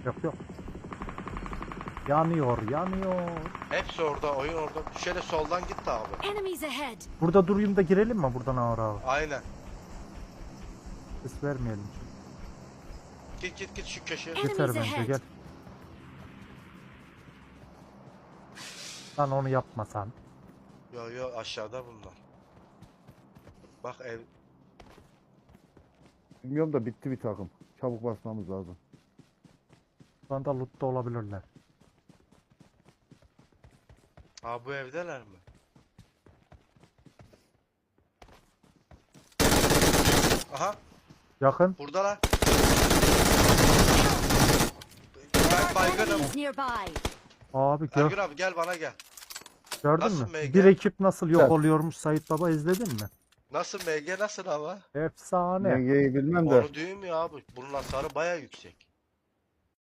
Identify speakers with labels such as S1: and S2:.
S1: Yok yok. Yanıyor, yanıyor.
S2: Hepsi orada, oyun orada. Şöyle soldan git de abi.
S3: Enemies ahead.
S1: Burada durayım da girelim mi buradan ağır ağır?
S2: Aynen.
S1: Ses vermeyelim.
S2: Git şu köşeye.
S1: Yeter bence gel. Lan onu yapma sen.
S2: Yo aşağıda bunlar. Bak ev.
S4: Bilmiyorum da bitti bir takım. Çabuk basmamız lazım.
S1: Şu anda loot'ta olabilirler.
S2: Ha bu evdeler mi? Aha
S1: Yakın.
S2: buradalar. Ben baygınım.
S3: Enemies nearby.
S1: Abi
S2: Ergün abi gel bana gel.
S1: gördün
S2: Nasıl
S1: mü?
S2: MG?
S1: Bir ekip nasıl yok
S4: Evet.
S1: oluyormuş Sait Baba izledin mi?
S2: Nasıl MG nasıl ama?
S1: Efsane.
S4: Dengeyi bilmem de.
S2: Onu diyorum ya abi. Bunun hasarı baya yüksek.